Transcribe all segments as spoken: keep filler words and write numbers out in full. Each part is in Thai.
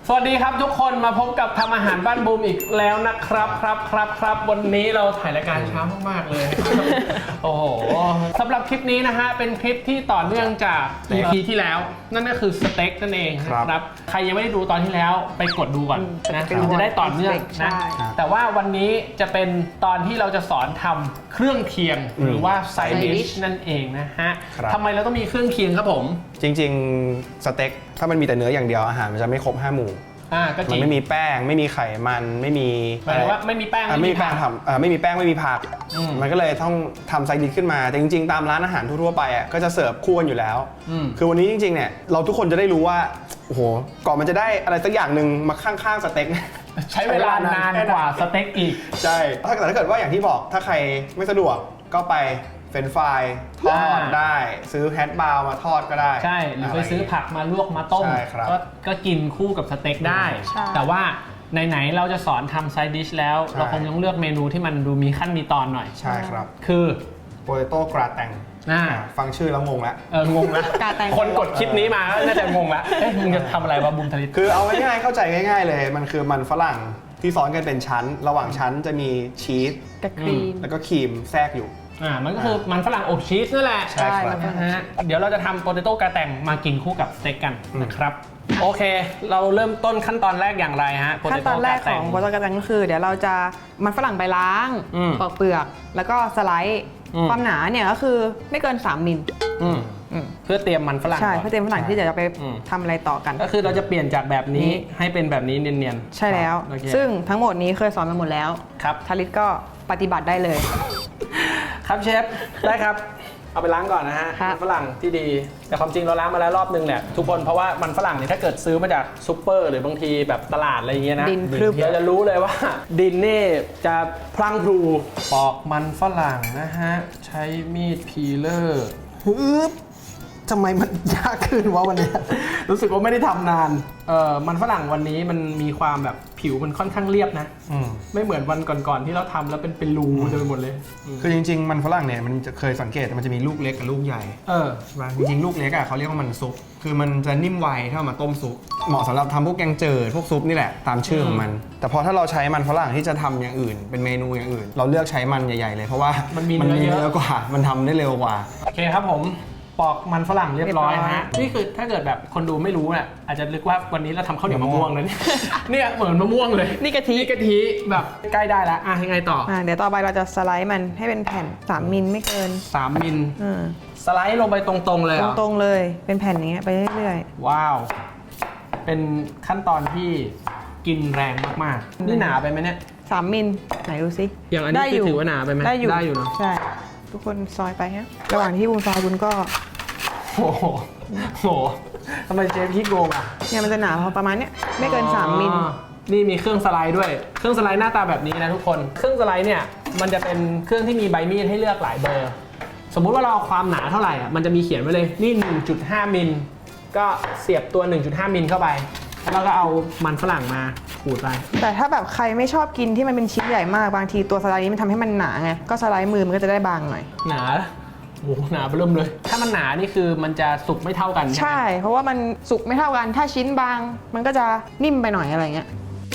สวัสดีครับทุกคนมาพบกับทำอาหารบ้านบูมอีกแล้วนะครับครับครับครับวันนี้เราถ่ายรายการเช้ามากๆเลย โอ้โหสำหรับคลิปนี้นะฮะเป็นคลิปที่ต่อเนื่องจาก อี พี ที่แล้วนั่นก็คือสเต็กนั่นเองนะครับใครยังไม่ได้ดูตอนที่แล้วไปกดดูก่อนนะมันจะได้ต่อเนื่องนะแต่ว่าวันนี้จะเป็นตอนที่เราจะสอนทำเครื่องเคียงหรือว่าไซดิชนั่นเองนะฮะทำไมเราต้องมีเครื่องเคียงครับผมจริงๆสเต็กถ้ามันมีแต่เนื้ออย่างเดียวอาหารมันจะไม่ครบห้าหมู่อ่าก็จริงมันไม่มีแป้งไม่มีไขมันไม่มีหมายถึงว่าไม่มีแป้งไม่มีแป้งทำไม่มีแป้งไม่มีผักมันก็เลยต้องทำไซดิชขึ้นมาแต่จริงๆตามร้านอาหารทั่วๆไปอ่ะก็จะเสิร์ฟคู่กันอยู่แล้วคือวันนี้จริงๆเนี่ยเราทุกคนจะได้รู้ว่าโอ้โหก่อนมันจะได้อะไรสักอย่างหนึ่งมาข้างๆสเต็กใช้เวลานานกว่าสเต็กอีกใช่ถ้าเกิดว่าอย่างที่บอกถ้าใครไม่สะดวกก็ไปเฟรนช์ฟรายทอดได้ซื้อแฮชบราวน์มาทอดก็ได้ใช่หรือไปซื้อผักมาลวกมาต้มก็ก็กินคู่กับสเต็กได้แต่ว่าไหนๆเราจะสอนทำไซด์ดิชแล้วเราคงต้องเลือกเมนูที่มันดูมีขั้นมีตอนหน่อยใช่ครับคือโปเตโต้กราแตงฟังชื่อแล้วงงแล้วเอองงแล้วคนกดคลิปนี้มาน่าจะงงแล้วเอ๊ะมึงจะทำอะไรวะบุมทลิตคือเอาง่ายๆเข้าใจง่ายๆเลยมันคือมันฝรั่งที่ซ้อนกันเป็นชั้นระหว่างชั้นจะมีชีสกับครีมแล้วก็ครีมแทรกอยู่อ่ามันก็คือมันฝรั่งอบชีสนั่นแหละใช่ครับนะฮะเดี๋ยวเราจะทำโปเตโต้กาแตงมากินคู่กับสเต็กกันนะครับโอเคเราเริ่มต้นขั้นตอนแรกอย่างไรฮะขั้นตอนแรกของโปเตโต้กาแตงก็คือเดี๋ยวเราจะมันฝรั่งไปล้างปอกเปลือกแล้วก็สไลด์ความหนาเนี่ยก็คือไม่เกินสามมิลเพื่อเตรียมมันฝรั่งใช่เพื่อเตรียมฝรั่งที่จะไปทำอะไรต่อกันก็คือเราจะเปลี่ยนจากแบบนี้ให้เป็นแบบนี้เนียนๆใช่แล้วซึ่งทั้งหมดนี้เคยสอนมาหมดแล้วครับทาริสก็ปฏิบัติได้เลยครับเชฟได้ครับเอาไปล้างก่อนนะฮะมันฝรั่งที่ดีแต่ความจริงเราล้างมาแล้วรอบนึงแหละทุกคนเพราะว่ามันฝรั่งเนี่ยถ้าเกิดซื้อมาจากซุปเปอร์หรือบางทีแบบตลาดอะไรอย่างเงี้ยนะเราจะรู้เลยว่าดินนี่จะพลังพลูปอกมันฝรั่งนะฮะใช้มีดพีเลอร์ฮึบทำไมมันยากขึ้นวะวันนี้รู้สึกว่าไม่ได้ทำนานเออมันฝรั่งวันนี้มันมีความแบบผิวมันค่อนข้างเรียบนะไม่เหมือนวันก่อนๆที่เราทำแล้วเป็นเป็นรูเต็มไปหมดเลยคือจริงๆมันฝรั่งเนี่ยมันจะเคยสังเกตมันจะมีลูกเล็กกับลูกใหญ่เออจริงๆลูกเล็กอ่ะเขาเรียกว่ามันซุปคือมันจะนิ่มไวถ้ามาต้มซุปเหมาะสำหรับทำพวกแกงเจิดพวกซุปนี่แหละตามชื่อของมันแต่พอถ้าเราใช้มันฝรั่งที่จะทำอย่างอื่นเป็นเมนูอย่างอื่นเราเลือกใช้มันใหญ่ๆเลยเพราะว่ามันมีเนื้อเยอะกว่ามันทำได้เร็วกว่าโอเคครับผมปอกมันฝรั่งเรียบร้อยฮะนี่คือถ้าเกิดแบบคนดูไม่รู้เนี่ยอาจจะนึกว่าวันนี้เราทำข้าวเหนียวมะม่วงเลยเนี่ยเหมือนมะม่วงเลยนี่กะทิกะทิแบบใกล้ได้แล้วอ่ะยังไงต่ออ่ะเดี๋ยวต่อไปเราจะสไลด์มันให้เป็นแผ่นสามมิลไม่เกินสามมิลสไลด์ลงไปตรงๆเลยตรงๆเลยเป็นแผ่นอย่างเงี้ยไปเรื่อยๆว้าวเป็นขั้นตอนที่กินแรงมากๆนี่หนาไปไหมเนี่ยสามมิลไหนดูซิอย่างอันนี้ถือว่าหนาไปไหมได้อยู่ได้อยู่เนาะใช่ทุกคนซอยไปฮะระหว่างที่บุญซอยบุญก็โอ้โหโหทำไมเจ๊พี่โกงอ่ะเนี่ยมันจะหนาพอประมาณเนี้ยไม่เกินสามมิลนี่มีเครื่องสไลด์ด้วยเครื่องสไลด์หน้าตาแบบนี้นะทุกคนเครื่องสไลด์เนี่ยมันจะเป็นเครื่องที่มีใบมีดให้เลือกหลายเบอร์สมมุติว่าเราเอาความหนาเท่าไหร่อ่ะมันจะมีเขียนไว้เลยนี่ หนึ่งจุดห้า มิลก็เสียบตัว หนึ่งจุดห้า มิลเข้าไปแล้วก็เอามันฝรั่งมาขูดไปแต่ถ้าแบบใครไม่ชอบกินที่มันเป็นชิ้นใหญ่มากบางทีตัวสไลด์นี้มันทำให้มันหนาไงก็สไลด์มือมันก็จะได้บางหน่อยหนาโอ้โหหนาเบิ่มเลยถ้ามันหนานี่คือมันจะสุกไม่เท่ากันใช่เพราะว่ามันสุกไม่เท่ากันถ้าชิ้นบางมันก็จะนิ่มไปหน่อยอะไรเงี้ย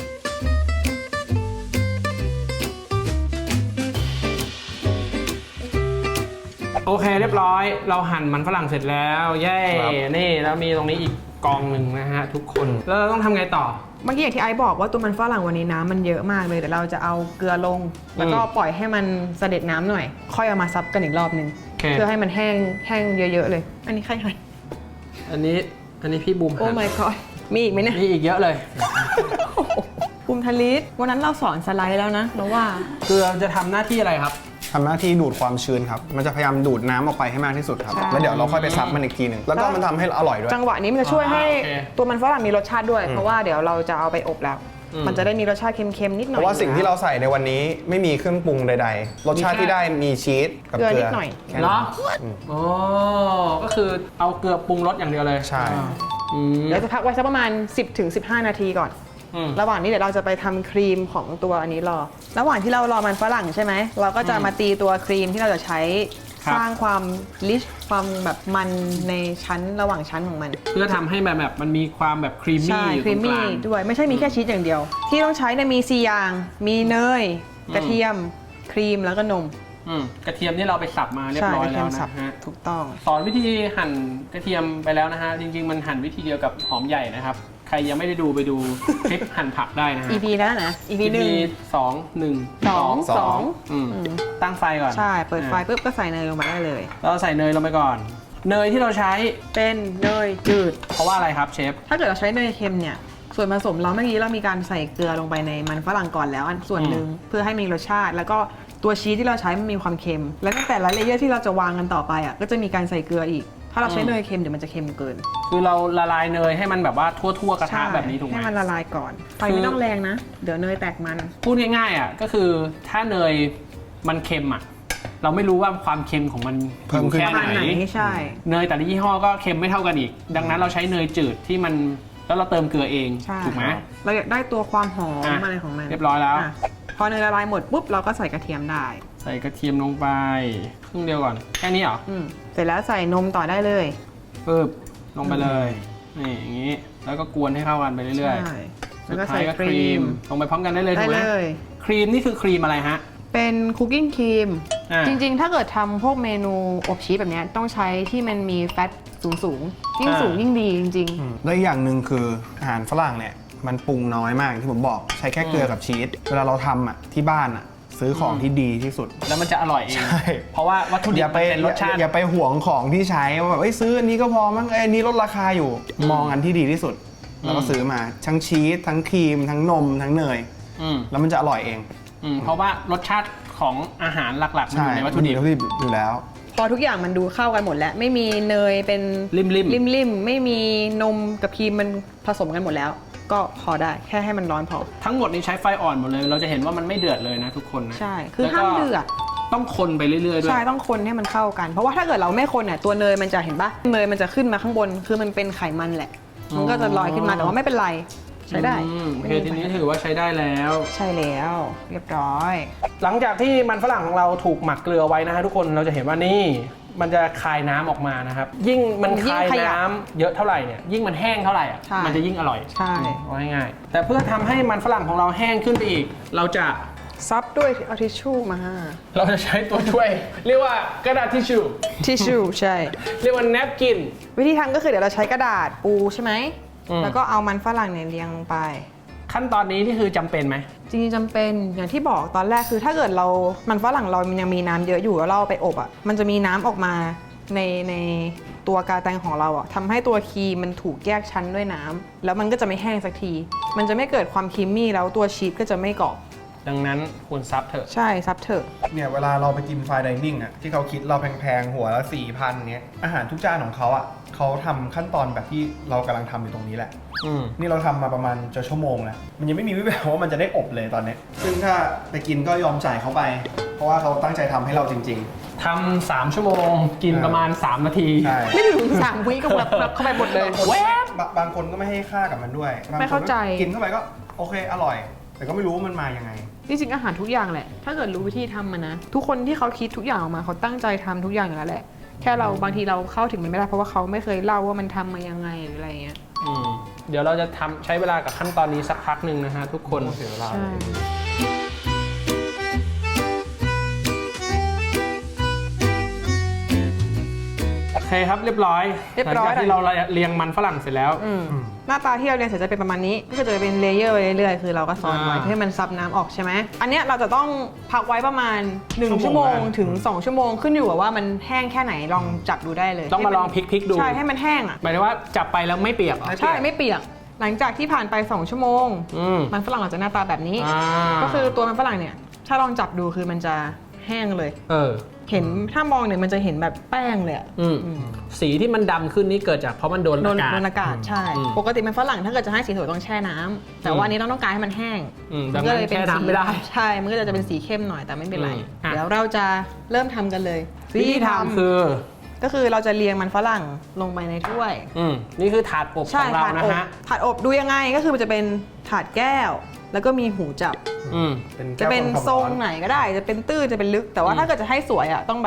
โอเคเรียบร้อยเราหั่นมันฝรั่งเสร็จแล้วเย้นี่แล้วมีตรงนี้อีกกองหนึ่งนะฮะทุกคนแล้วเราต้องทำไงต่อเมื่อกี้อย่างที่ไอซ์บอกว่าตัวมันฝรั่งวันนี้น้ำมันเยอะมากเลยเดี๋ยวเราจะเอาเกลือลงแล้วก็ปล่อยให้มันเสด็จน้ำหน่อยค่อยเอามาซับกันอีกรอบนึงเพื่อให้มันแห้งแห้งเยอะๆเลยอันนี้ใครใครอันนี้อันนี้พี่บูมโอ้ my god มีอีกไหมเนี่ยมีอีกเยอะเลยบูมทลิสวันนั้นเราสอนสไลด์แล้วนะเราว่าเกลือจะทำหน้าที่อะไรครับทำหน้าที่ดูดความชื้นครับมันจะพยายามดูดน้ำออกไปให้มากที่สุดครับแล้วเดี๋ยวเราค่อยไปซับมันอีกทีหนึ่งแล้วก็มันทำให้อร่อยด้วยจังหวะนี้มันจะช่วยให้ตัวมันฝรั่งมีรสชาติด้วยเพราะว่าเดี๋ยวเราจะเอาไปอบแล้วมันจะได้มีรสชาติเค็มๆนิดหน่อยเพราะว่าสิ่งที่เราใส่ในวันนี้ไม่มีเครื่องปรุงใดๆรสชาติที่ได้มีชีสกับเกลือนิดหน่อยเหรออ๋อก็คือเอาเกลือปรุงรสอย่างเดียวเลยใช่เดี๋ยวจะพักไว้สักประมาณ สิบถึงสิบห้า นาทีก่อนระหว่างนี้เดี๋ยวเราจะไปทำครีมของตัวอันนี้รอระหว่างที่เรารอมันฝรั่งใช่ไหมเราก็จะมาตีตัวครีมที่เราจะใช้สร้างความลิชความแบบมันในชั้นระหว่างชั้นของมันเพื่อทำให้แบบแบบมันมีความแบบครีมใช่มี่อยู่คตรีรมงกมี่ลางด้วยไม่ใช่มีแค่ชีสอย่างเดียว ที่ต้องใช้เนี่ยมีสี่อย่างมีเนยกระเทียมครีมแล้วก็นมอืมกระเทียมนี่เราไปสับมาเรียบร้อยแล้วนะฮะถูกต้องสอนวิธีหั่นกระเทียมไปแล้วนะฮะ จริงๆมันหั่นวิธีเดียวกับหอมใหญ่นะครับ ใครยังไม่ได้ดูไปดูคลิปหั่นผักได้นะฮะอี พี แล้วนะ อี พี หนึ่งสองหนึ่งสองสองอืมอืมตั้งไฟก่อนใช่เปิดไฟปุ๊บก็ใส่เนยลงไปได้เลยเราใส่เนยลงไปก่อน เนยที่เราใช้เป็นเนยจืดเพราะว่าอะไรครับเชฟถ้าเกิดเราใช้เนยเค็มเนี่ยส่วนผสมเราเมื่อกี้เรามีการใส่เกลือลงไปในมันฝรั่งก่อนแล้วอันส่วนหนึ่งเพื่อให้มีรสชาติ แล้วก็ตัวชีสที่เราใช้มันมีความเค็ม และตั้งแต่ละเลเยอร์ที่เราจะวางกันต่อไปอ่ะก็จะมีการใส่เกลืออีก ถ้าเราใช้เนยเค็มเดี๋ยวมันจะเค็มเกินคือเราละลายเนยให้มันแบบว่าทั่วๆกระทะแบบนี้ถูกไหมให้มันละลายก่อนไฟคือไม่ต้องแรงนะ เดี๋ยวเนยแตกมันพูดง่ายๆอ่ะก็คือถ้าเนยมันเค็มอ่ะเราไม่รู้ว่าความเค็มของมันเพิ่มขึ้นแค่ประมาณไหไหนนใช่เนยแต่ละยี่ห้อก็เค็มไม่เท่ากันอีก ดังนั้นเราใช้เนยจืดที่มันแล้วเราเติมเกลือเองใช่ถูกไหมเราอยากได้ตัวความหอมอ่ะอะไรของมันเรียบร้อยแล้วะพอเนยละลายหมดปุ๊บเราก็ใส่กระเทียมได้ใส่กระเทียมลงไปครึ่งเดียวก่อนแค่นี้เหรออืมเสร็จแล้วใส่นมต่อได้เลยปึ๊บลงไปเลยนี่อย่างนี้แล้วก็กวนให้เข้ากันไปเรื่อยใช่ๆแล้สุวดก็ท้าใส่ยก็คครีรีมมลงไปพร้อมกันได้เลยได้ถูกไหมเลยครีมนี่คือครีมอะไรฮะเป็นคุกกิ้งครีมอ่าจริงๆ ถ้าเกิดทำพวกเมนูอบชีสแบบเนี้ยต้องใช้ที่มันมีแฟตสูงๆ ยิ่งอ่าสูงยิ่งดีจริงแล้วอีกอย่างหนึ่งคืออาหารฝรั่งเนี่ยมันปรุงน้อยมากที่ผมบอกใช้แค่เกลือกับชีสเวลาเราทำอ่ะที่บ้านอ่ะซื้อของที่ดีที่สุดแล้วมันจะอร่อยเองใช่เพราะว่าวัตถุดิอบ ย่ามัไปนเป็นรสชาติอย่าไปห่วงของที่ใช้ว่าแบบเอ้ยซื้ออันนี้ก็พอมั้งเอ้ยอันนี้ลดราคาอยู่มองอันที่ดีที่สุด แล้วก็ซื้อมาทั้งชีสทั้งครีม ทั้งนมทั้งเนยอืมแล้วมันจะอร่อยเองอืมเพราะว่ารสชาติของอาหารหลักๆมันอยู่ในวัตถุดิบมันมีวัตถุดิบอยู่แล้วๆ พอทุกอย่างมันดูเข้ากันหมดแล้ว ไม่มีเนยเป็นริมๆริมๆ ไม่มีนมกับครีมมันผสมกันหมดแล้ว ก็พอได้แค่ให้มันร้อนพอทั้งหมดนี้ใช้ไฟอ่อนหมดเลย เราจะเห็นว่ามันไม่เดือดเลยนะทุกคนนะใช่ คือแล้วก็ห้ามเดือดต้องคนไปเรื่อยๆด้วยใช่ต้องคนให้มันเข้ากัน เพราะว่าถ้าเกิดเราไม่คนเนี่ยตัวเนยมันจะเห็นปะเนยมันจะขึ้นมาข้างบน คือมันเป็นไขมันแหละ มันก็จะลอยขึ้นมาแต่ว่าไม่เป็นไร ใช้ได้อืมโอเคทีนี้ถือว่าใช้ได้แล้วใช่แล้วเรียบร้อยหลังจากที่มันฝรั่งของเราถูกหมักเกลือไว้นะฮะทุกคนเราจะเห็นว่านี่มันจะคายน้ำออกมานะครับ ยิ่งมันยิ่งคายขยับน้ำเยอะเท่าไหร่เนี่ยยิ่งมันแห้งเท่าไหร่อ่ะใช่มันจะยิ่งอร่อยใช่เอาง่ายๆแต่เพื่อทำให้มันฝรั่งของเราแห้งขึ้นไปอีก เราจะซับด้วยเอาทิชชู่มาเราจะใช้ตัวช่วย เรียกว่ากระดาษทิชชู่ทิชชู่ใช่เรียกว่าแนปกินวิธีทำก็คือเดี๋ยวเราใช้กระดาษปูใช่ไหมอืมแล้วก็เอามันฝรั่งเนี่ยเรียงลงไปขั้นตอนนี้นี่คือจำเป็นไหมจริงๆจำเป็นอย่างที่บอกตอนแรกคือถ้าเกิดเรา มันฝรั่งเรามันยังมีน้ำเยอะอยู่แล้วเราเอาไปอบอ่ะ มันจะมีน้ำออกมาในในตัวกาแตงของเราอ่ะทำให้ตัวครีมมันถูกแยกชั้นด้วยน้ำแล้วมันก็จะไม่แห้งสักที มันจะไม่เกิดความครีมมี่แล้วตัวชีสก็จะไม่กรอบดังนั้นควรซับเถอะใช่ซับเถอะเนี่ยเวลาเราไปกินไฟน์ไดนิ่งอ่ะที่เขาคิดเราแพงๆหัวละสี่พันเนี้ยอาหารทุกจานของเขาอ่ะเขาทำขั้นตอนแบบที่เรากำลังทำอยู่ตรงนี้แหละอืมนี่เราทำมาประมาณจะชั่วโมงแล้วมันยังไม่มีวิแววว่ามันจะได้อบเลยตอนนี้ ซึ่งถ้าไปกินก็ยอมจ่ายเขาไป เพราะว่าเขาตั้งใจทำให้เราจริงทำสามชั่วโมงกินประมาณสามนาทีๆ ใช่ไม่ถึงสามวิก็แบบแบบเข้าไปหมดเลยแวบบางคนก็ไม่ให้ค่ากับมันด้วยบงคนไม่เข้าใจกินเข้าไปก็โอเคอร่อย แต่ก็ไม่รู้ว่ามันมายังไงจริงๆอาหารทุกอย่างแหละ ถ้าเกิดรู้วิธีทำมันนะ ทุกคนที่เขาคิดทุกอย่างออกมาเขาตั้งใจทำทุกอย่างอยู่แล้วแหละ แค่เราบางทีเราเข้าถึงมันไม่ได้เพราะว่าเขาไม่เคยเล่าว่ามันทำมายังไงหรืออะไรเงี้ยอืมเดี๋ยวเราจะทำใช้เวลากับขั้นตอนนี้สักพักหนึ่งนะฮะทุกคนเสียเวลาใช่โอเคครับเรียบร้อยเรียบร้อยหลังจากที่เราเรียงมันฝรั่งเสร็จแล้วอืมหน้าตาที่เราเรียนเสร็จจะเป็นประมาณนี้ก็จะเป็นเลเยอร์ไปเรื่อยๆคือเราก็ซ้อนไว้อ่าเพื่อให้มันซับน้ำออกใช่ไหมอันเนี้ยเราจะต้องพักไว้ประมาณหนึ่งชั่ชั่ววโมโมงงถึงสองชั่วโมงขึ้นอยู่กับว่ามันแห้งแค่ไหนลองจับดูได้เลยต้องมาลองพลิกๆดูใช่ให้มันแห้งอ่ะหมายถึงว่าจับไปแล้วไม่เปียกเหรอไม่ใช่ไม่เปียกหลังจากที่ผ่านไปสองชั่วโมงอืมมันฝรั่งอาจจะหน้าตาแบบนี้อ่าก็คือตัวมันฝรั่งเนี่ยถ้าลองจับดูคือมันจะแห้งเลยเออเห็นถ้ามองเนี่ยมันจะเห็นแบบแป้งเลยอะอืมสีที่มันดำขึ้นนี่เกิดจากเพราะมันโดนโดอาน กาศโดนอากาศใช่อืมปกติมันฝรั่งถ้าเกิดจะให้สีสวยต้องแช่น้ำแต่อืมว่าอันนี้เราต้องการให้มันแห้งอืมมัก็เลยเป็นดังนั้นแช่สีน้ำไม่ได้ใช่ มันก็จะเป็นสีเข้มหน่อยแต่ไม่เป็นไรอืมอ่ะเดี๋ยวเราจะเริ่มทำกันเลยวิธีทำคือก็คือเราจะเรียงมันฝรั่งลงไปในถ้วยอืมนี่คือถาดอบขใช่องเราถาดนะอบฮะถาดอบดูยังไงก็คือมันจะเป็นถาดแก้ว แล้วก็มีหูจับอืมจะเป็นแก้วทรงความร้อนไหนก็ได้ จะเป็นตื้นจะเป็นลึก แต่ว่าอืมถ้าเกิดจะให้สวยอ่ะต้องแบบ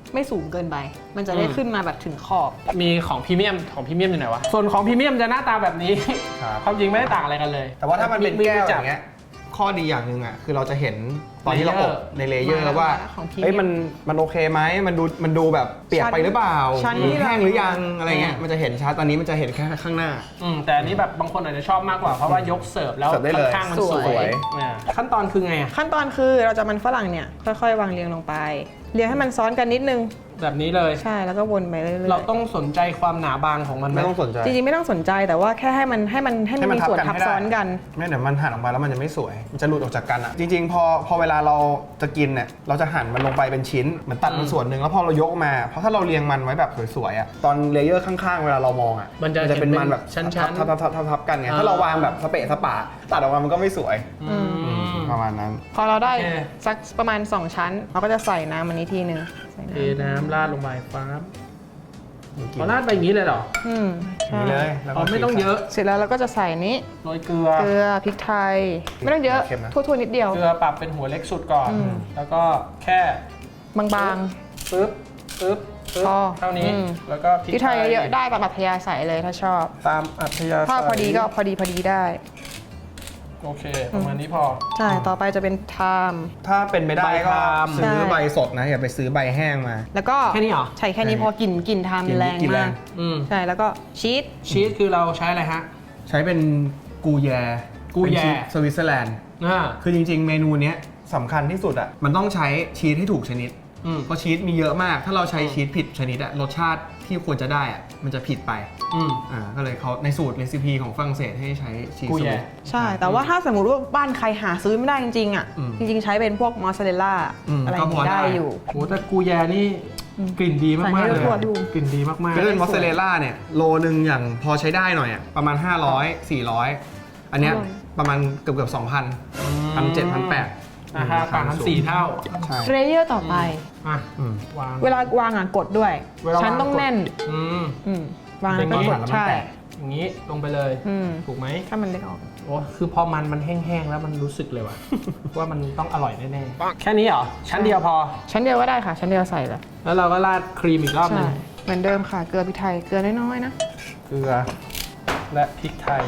ไม่สูงเกินไป มันจะได้ขึ้นมาแบบถึงขอบมีของพรีเมียมของพรีเมียมอยู่ไหนวะส่วนของพรีเมียมจะหน้าตาแบบนี้ครับความจริงไม่ได้ต่างอะไรกันเลยแต่ว่าถ้ามันเป็นแก้วจัอย่างเงี้ยข้อดีอย่างหนึ่งอ่ะคือเราจะเห็นตอนที่เราอบในเลเยอร์แล้วว่าของพรีเมียมเอ้ยมันมันโอเคไหมมันดูมันดูแบบเปียกไปหรือเปล่าชั้นหรือที่แห้งหรือยังอืมอะไรเงี้ยมันจะเห็นชัดตอนนี้มันจะเห็นแค่ข้างหน้าอืมแต่อันนี้แบบบางคนอาจจะชอบมากกว่าเพราะว่ายกเสิร์ฟแล้วเสิร์ฟได้เลยข้างๆมันสสววย ยอ่าขั้นตอนคือไงอะขั้นตอนคือเราจะมันฝรั่งเนี่ยค่อยๆ วางเรียงลงไป เรียงให้มันซ้อนกันนิดนึงแบบนี้เลยใช่แล้วก็วนไปเรื่อยๆเราต้องสนใจความหนาบางของมันไหมไม่ต้องสนใจจริงๆไม่ต้องสนใจแต่ว่าแค่ให้มันให้มันให้มันมีส่วนทับซ้อนกันไม่เดี๋ยวมันหั่นออกมาแล้วมันจะไม่สวย มันจะหลุดออกจากกันอ่ะ จริงๆ พอพอเวลาเราจะกินเนี่ย เราจะหั่นมันลงไปเป็นชิ้น เหมือนตัดมันส่วนหนึ่งแล้วพอเรายกมา เพราะถ้าเราเรียงมันไว้แบบสวยๆอ่ะ ตอนเลเยอร์ข้างๆ เวลาเรามองอ่ะมันจะเป็นมันแบบชั้นทับทับทับทับทับกันไง ถ้าเราวางแบบสเปะสปะตัดออกมามันก็ไม่สวยๆอืมประมาณนั้นพอเราได้โอเคสักประมาณ สอง ชั้น เราก็จะใส่น้ำอันนี้ทีนึงใส่เทน้น้ำราดลงไปฟ้าบเอาราดไปอย่างนี้เลยเหรอำอืมใช่นี่เลยแล้วอ๋ก็อไม่ต้องเยอะเสร็จแล้วเราก็จะใส่นี้โรยเกลือเกลือพริกไทย ไม่ต้องเยอะเค็มนะทั่วๆนิดเดียวเกลือปรับเป็นหัวเล็กสุดก่อนอืมแล้วก็แค่บางปึ๊บปึ๊บปึ๊บพอเท่านี้อืมแล้วก็ๆพริกไทยเยอะๆได้ตามอัธยาศัยเลยถ้าชอบตามอัธยาศัยถ้าพอดีก็พอดีพอดีได้โอเค ประมาณนี้พอใช่ ต่อไปจะเป็นไทม์ถ้าเป็นไปได้ก็ใบทามซื้อใช่ใบสดนะอย่าไปซื้อใบแห้งมาแล้วก็แค่นี้เหรอใช่แค่นี้พอกลิ่นกลิ่นไทม์กลิ่นแรงกลิ่นแรมาง กอืมใช่แล้วก็ชีสชีสคือเราใช้อะไรฮะใช้เป็นกูแยกูแยเป็นชีสสวิตเซอร์แลนด์อ่าคือจริงๆ เมนูเนี้ยสำคัญที่สุดอ่ะ มันต้องใช้ชีสให้ถูกชนิดอืมเพราะชีสมีเยอะมาก ถ้าเราใช้ชีสผิดชนิดอะรสชาติที่ควรจะได้อะมันจะผิดไปอืมอ่า ก็เลยเขาในสูตรเรซิปีของฝรั่งเศสให้ใช้ชีสกูแย่สวิตใช่ แต่ว่าถ้าสมมติว่าบ้านใครหาซื้อไม่ได้จริงๆอ่ะอืมจริงๆ ใช้เป็นพวกมอสซาเรลล่าอืมอะไรอย่างก็พองี้ได้ได้อยู่โหแต่กูแยนี่กลิ่นดีมากๆใส่ให้เลยทั่วอะๆดูกลิ่นดีมากคือเป็นมอสซาเรลล่าเนี่ยโลนึงอย่างพอใช้ได้หน่อยอะประมาณ ห้าร้อย สี่ร้อย อันเนี้ยอร่อยประมาณเกือบเกือบสองพันๆพันเจ็ดพันแปดราคาต่างกันสี่เท่าใช่เลเยอร์ต่อไปอ่ะอืมวางเวลาวางอ่ะกดด้วยเวลาวางชั้นต้องกดแน่นอืมอืมวางอแล้วย่างก็นี้กหัดนแล้วมันใช่แตกอย่างนี้ลงไปเลยอืมถูกไหมถ้ามันเล็กออกโอ้คือพอมันมันแห้งๆแล้วมันรู้สึกเลยว่ะ ว่ามันต้องอร่อยแน่ๆ แค่นี้เหรอ ชั้นเดียวพอชั้นเดียวก็ได้ค่ะ ชั้นเดียวใส่เลยแล้วเราก็ราดครีมอีกรอบหใช่นึงเหมือนเดิมค่ะ เกลือพริกไทย เกลือน้อยๆนะเกลือและพริกไทย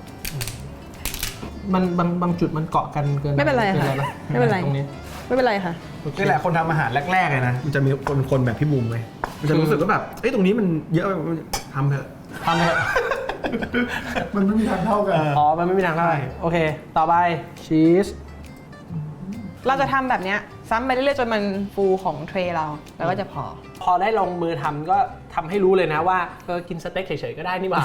มันบางบางจุดมันเกาะกันเกินไม่เป็นไรกิค่ะปไม่เป็นไรตรงนี้ไม่เป็นไรค่ะโอเคนี่แหละคนทำอาหารแรกๆเลยนะ มันจะมีคนคนแบบพี่บูมเลยมันจะรู้สึกว่าแบบ เอ้ยตรงนี้มันเยอะไปทำเถอะทำเลยมันไม่มีทางเท่ากันอ๋อ มันไม่มีทางได้ โอเค ต่อไปชีสเราจะทำแบบเนี้ยซ้ำไปเรื่อยๆจนมันฟูของเทรย์เรา แล้วก็จะพอพอได้ลงมือทำก็ทำให้รู้เลยนะว่าเออกินสเต็กเฉยๆก็ได้นี่หว่า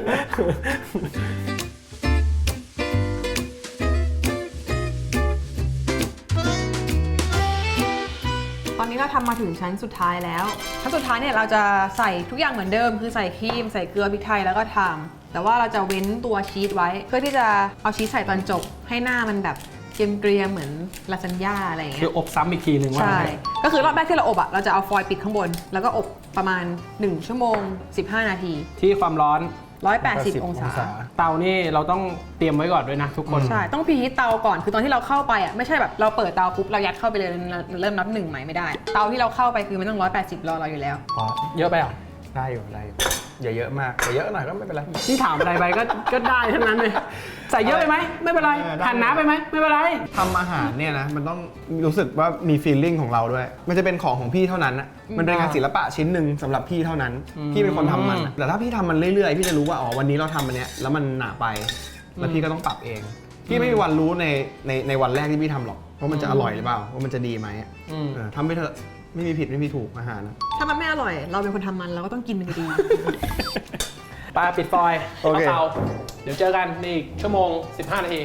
ตอนนี้เราทำมาถึงชั้นสุดท้ายแล้ว ชั้นสุดท้ายเนี่ยเราจะใส่ทุกอย่างเหมือนเดิม คือใส่ครีม ใส่เกลือพริกไทยแล้วก็ไทม์แต่ว่าเราจะเว้นตัวชีสไว้ เพื่อที่จะเอาชีสใส่ตอนจบ ให้หน้ามันแบบเกรียมๆเหมือนลาซานญ่าอะไรอย่างเงี้คืยออบซ้ำอีกทีหนึ่งว่าใช่งั้นเถอะก็คือรอบแรกที่เราอบอะเราจะเอาฟอยล์ปิดข้างบน แล้วก็อบประมาณหนึ่งชั่วโมงสิบห้านาทีที่ความร้อนหนึ่งร้อยแปดสิบองศาเตานี่เราต้องเตรียมไว้ก่อนด้วยนะทุกคนใช่ ต้องพรีฮีทเตาก่อน คือตอนที่เราเข้าไปอ่ะ ไม่ใช่แบบเราเปิดเตาปุ๊บเรายัดเข้าไปเลยเริ่มนับหนึ่งใหม่ไม่ได้ เตาที่เราเข้าไปคือมันต้องหนึ่งร้อยแปดสิบรอเราอยู่แล้วอ๋อเยอะไปเหรอได้อยู่ได้อยู่อย่าเยอะมากแต่เยอะหน่อยก็ไม่เป็นไรที่ถามอะไรไปก็ก็ได้ทั้งนั้นเลย ใส่เยอะไปไหมไม่เป็นไรเออได้หั่นหนาไปไหมไม่เป็นไรทำอาหารเนี่ยนะมันต้องรู้สึกว่ามีฟีลลิ่งของเราด้วย มันจะเป็นของของพี่เท่านั้นนะมันเป็นงานศิลปะชิ้นหนึ่งสำหรับพี่เท่านั้นอืมพี่เป็นคนทำมันอะแต่ถ้าพี่ทำมันเรื่อยๆ พี่จะรู้ว่าอ๋อวันนี้เราทำอันเนี้ยแล้วมันหนาไป แล้วพี่ก็ต้องปรับเอง พี่ไม่มีวันรู้ในในในวันแรกที่พี่ทำหรอกว่ามันจะอร่อยหรือเปล่าว่ามันจะดีไหมอะอืมเออทำไปเถอะไม่มีผิดไม่มีถูกอาหารนะถ้ามันไม่อร่อย เราเป็นคนทำมันเราก็ต้องกินมันดีปลาปิดฟอยล์โอเคเตาเดี๋ยวเจอกันในอีกชั่วโมงสิบห้านาที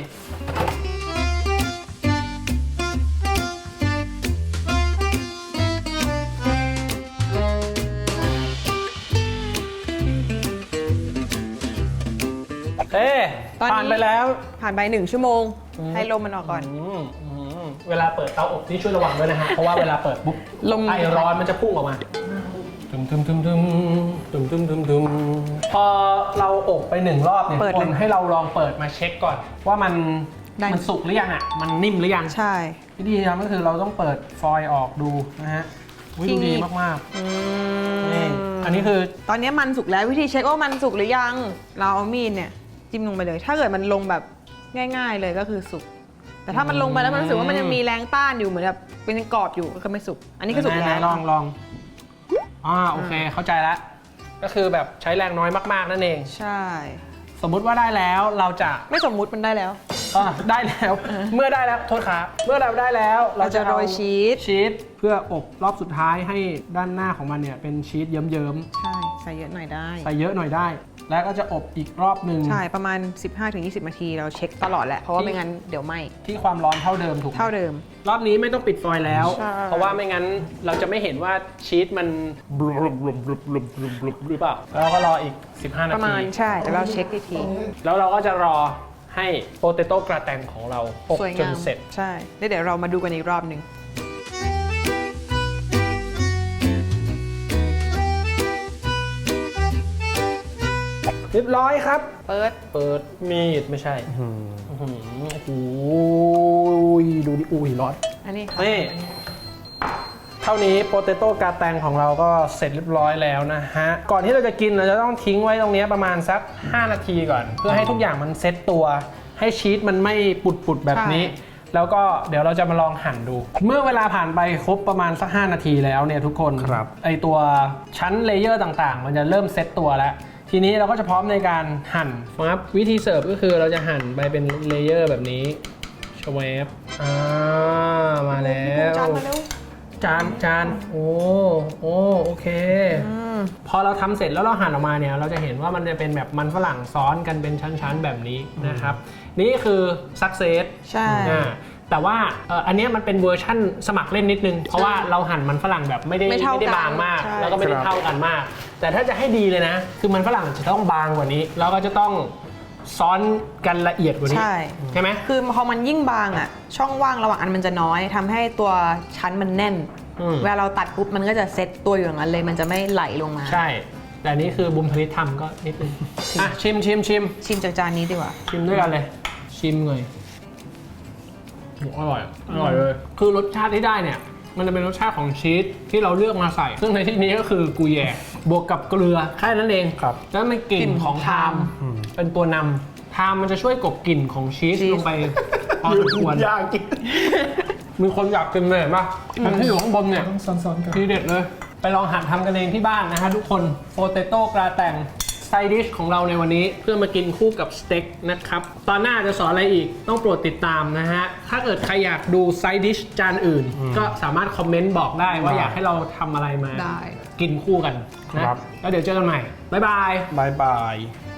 โอเคตอนนี้ผ่านไปแล้วผ่านไปหนึ่งชั่วโมง ให้ลมมันออกก่อนอืมอืมเวลาเปิดเตาอบนี่ช่วยระวังด้วยนะฮะ เพราะว่าเวลาเปิดปุ๊บลมไอร้อนมันจะพุ่งออกมาตึมตึมตึมตึมตึมตึมตึมตึมพอเราอบไปหนึ่งรอบเนี่ยเปิดคเลยนให้เราลองเปิดมาเช็คก่อน ว่ามันได้มันสุกหรือยังอ่ะ มันนิ่มหรือยังใช่วิธีทำก็คือเราต้องเปิดฟอยล์ออกดูนะฮะอุ๊ยดูดีมากอืๆนี่มอันนี้คือตอนนี้มันสุกแล้ววิธีเช็คว่ามันสุกหรือยัง เราเอามีดเนี่ยจิ้มลงไปเลย ถ้าเกิดมันลงแบบง่าย ๆ เลยก็คือสุก แต่ถ้ามันลงไปแล้วมันรู้สึกว่ามันยังมีแรงต้านอยู่เหมือนแบบเป็นกรอบอยู่ก็ไม่สุก อันนี้ก็สุกไหนแล้วๆลองลองอ่าโอเคเข้าใจแล้วก็คือแบบใช้แรงน้อยมากๆนั่นเองใช่สมมุติว่าได้แล้วเราจะไม่สมมุติมันได้แล้วอ่าได้แล้ว เมื่อได้แล้วโทษครับเมื่อเราได้แล้วเราจะเอโรยชีสชีสเพื่ออบรอบสุดท้ายให้ด้านหน้าของมันเนี่ยเป็นชีสเยิ้มใช่ ใส่เยอะหน่อยได้ๆใส่เยอะหน่อยได้ แล้วก็จะอบอีกรอบหนึ่งใช่ ประมาณ สิบห้าถึงยี่สิบ นาทีเราเช็คตลอดแหละ เพราะว่าไม่งั้นเดี๋ยวไหม้ที่ความร้อนเท่าเดิมถูกไหมเท่าเดิมรอบนี้ไม่ต้องปิดฟอยล์แล้วใช่เพราะว่าไม่งั้นเราจะไม่เห็นว่าชีสมันบลุบบลุบบลุบบลุบบลุบบลุบหรือเปล่าแล้วก็รออีก สิบห้า นาประมาทีณใช่แล้วเราเช็คอีกทีแล้วเราก็จะรอให้โปเตโต้กราแตงของเราอบสวยจงาน มเสร็จใช่แล้วเดี๋ยวเรามาดูกันอีกรอบหนึ่งเรียบร้อยครับเปิดเปิดมีดไม่ใช่อื้อหือโอ้โหดูดิอุ้ยร้อนอันนี้ค่ะนี่เท่านี้โปเตโต้กาแตงของเราก็เสร็จเรียบร้อยแล้วนะฮะ ก่อนที่เราจะกินเราจะต้องทิ้งไว้ตรงนี้ประมาณสัก ห้า นาทีก่อน เพื่อให้ทุกอย่างมันเซ็ตตัวให้ชีสมันไม่ปุดๆแบบนี้ แล้วก็เดี๋ยวเราจะมาลองหั่นดู เมื่อเวลาผ่านไปครบประมาณสัก ห้า นาทีแล้วเนี่ยทุกคนครับไอตัวชั้นเลเยอร์ต่างๆ มันจะเริ่มเซ็ตตัวแล้ว ทีนี้เราก็จะพร้อมในการหั่นนะครับวิธีเสิร์ฟก็คือเราจะหั่นไปเป็นเลเยอร์แบบนี้ชเวฟอ่ามาแล้วจานมาเร็วจานจานโอ้โอ้โอเคอืมพอเราทำเสร็จแล้วเราหั่นออกมาเนี่ยเราจะเห็นว่ามันจะเป็นแบบมันฝรั่งซ้อนกันเป็นชั้นๆแบบนี้นะครับ นี่คือ success ใช่อ่าแต่ว่าเอ่ออันเนี้ยมันเป็นเวอร์ชั่นสมัครเล่นนิดนึง เพราะว่าเราหั่นมันฝรั่งแบบไม่ได้ไม่เท่าไม่ได้กันบางมากใช่แล้วก็ไม่ได้ครับเท่ากันมาก แต่ถ้าจะให้ดีเลยนะ คือมันฝรั่งจะต้องบางกว่านี้แล้วก็จะต้องซ้อนกันละเอียดกว่านี้ใช่ใช่ไหมคือพอมันยิ่งบางอ่ะ ช่องว่างระหว่างอันมันจะน้อยทำให้ตัวชั้นมันแน่นอืมเวลาเราตัดปุ๊บมันก็จะเซ็ตตัวอยู่อย่างนั้นเลยมันจะไม่ไหลลงมาใช่ แต่นี่คือบุมธนิตทำก็นิดนึงอ่ะชิมชิมชิมชิมจากจานนี้ดีกว่าชิมด้วยกันเลย ชิมเลยโหอร่อย อร่อยเลย คือรสชาติที่ได้เนี่ย มันจะเป็นรสชาติของชีสที่เราเลือกมาใส่ ซึ่งในที่นี้ก็คือกุยแยกบวกกับเกลือแค่นั้นเองครับแล้วมันกลิ่นของไทม์เป็นตัวนำไทม์มันจะช่วยกลบกลิ่นของชีสชีสลงไปพอสมควรยากกินมีคนอยากกินเลยเห็นปะอันที่อยู่ข้างบนเนี่ยต้องซ้อนๆกันทีเด็ดเลย ไปลองหัดทำกันเองที่บ้านนะฮะทุกคนโปเตโต้กราแตงไซดิชของเราในวันนี้เพื่อมากินคู่กับสเต็กนะครับ ตอนหน้าจะสอนอะไรอีกต้องโปรดติดตามนะฮะ ถ้าเกิดใครอยากดูไซดิชจานอื่น ก็สามารถคอมเมนต์บอกได้ว่าอยากให้เราทำอะไรมาได้กินคู่กันนะครับ แล้วเดี๋ยวเจอกันใหม่ บ๊ายบายบายบาย